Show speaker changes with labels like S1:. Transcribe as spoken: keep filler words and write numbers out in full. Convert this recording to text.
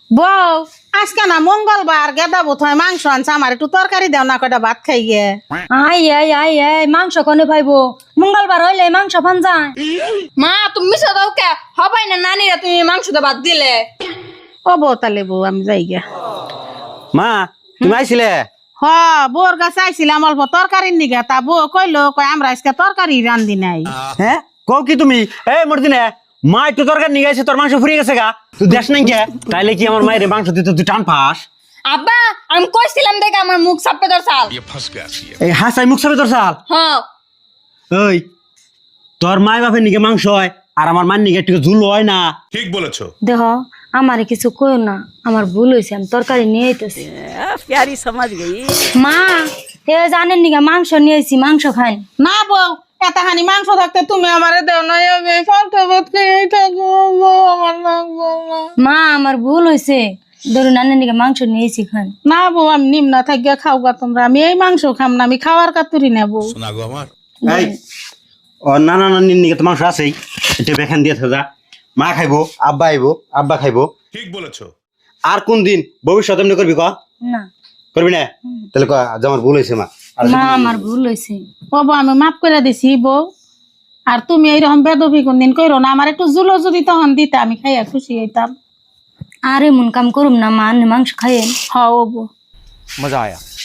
S1: বউ আজকে না মঙ্গলবার গেদা বোধহয় মাংস আনছে আমার একটু তরকারি দাও না কয়টা ভাত খাই গে।
S2: আই আই আই আই মাংস কোনে পাইবো মঙ্গলবার হইলে মাংস পান যায়।
S3: মা তুমি মিশা দাও কে হবাই না নানিরা তুমি মাংস তো বাদ দিলে।
S1: ও বউ তাহলে বউ আমি যাই গে।
S4: মা তুমি আইছিলে?
S1: হ বউর কাছে আইছিলাম অল্প তরকারির নিগে, তা বউ কইলো কয় আমরা আজকে তরকারি রান্ধি নাই।
S4: হ্যাঁ কও কি তুমি? এই মর্দিনে মা একটু তরকারি নিয়ে গেছে, তোর মাংস ফুরিয়ে গেছে গা, তুই দেশ নাই কে? তাইলে কি আমার মায়ের মাংস দিতে তুই টান পাস?
S3: আব্বা আমি কইছিলাম দেখে আমার মুখ সাপে ধর চাল।
S4: এই হাসাই মুখ সাবে তোর সাল।
S3: হ্যাঁ
S4: ওই তোর মায় বাপের নিকে মাংস হয় আর আমার মায়ের নিকে একটু ঝুল হয় না।
S5: ঠিক বলেছো।
S2: দেহ আমারে কিছু কইও না, আমার ভুল হয়েছে, আমি তরকারি নিয়ে আইতেছি।
S1: প্যারি সমাজ গই।
S2: মা এ জানেন নিগা মাংস নিয়ে আইছি, মাংস খান।
S1: না বউ এতখানি মাংস থাকতে তুমি আমারে দেও না, আমি ফালতু ভাত খেয়েই থাকবো, বউ আমার লাগবো না।
S2: মা আমার ভুল হয়েছে, ধরুন নানের নিগা মাংস নিয়ে আইছি, খান।
S1: না বউ আমি নিম্ন থাকিয়া খাও গা তোমরা, আমি এই মাংস খাম না, আমি খাওয়ার কাতুরি নেব।
S5: শোনা গো আমার।
S4: এই ও না না না নিকে তো মাংস আছেই, এটা বেখান দিয়ে থাকা। মা খাইবো, আব্বা আইবো, আব্বা খাইবো।
S5: ঠিক বলেছো।
S4: আর কোন দিন ভবিষ্যৎ এমনি করবি ক?
S2: না
S4: করবি না? তাহলে ক আজ আমার ভুল হয়েছে মা। আর
S2: মা আমার ভুল হয়েছে।
S1: ও বউ আমি মাফ করে দিছি বউ, আর তুমি এইরকম বেদবি কোনদিন কইরো না, আমার একটু জুলো যদি তখন দিতে আমি খাইয়া খুশি হইতাম।
S2: আর এমন কাম করুম না মা, আপনি মাংস খাইয়েন।
S1: হ ও বউ
S4: মজা আয়া।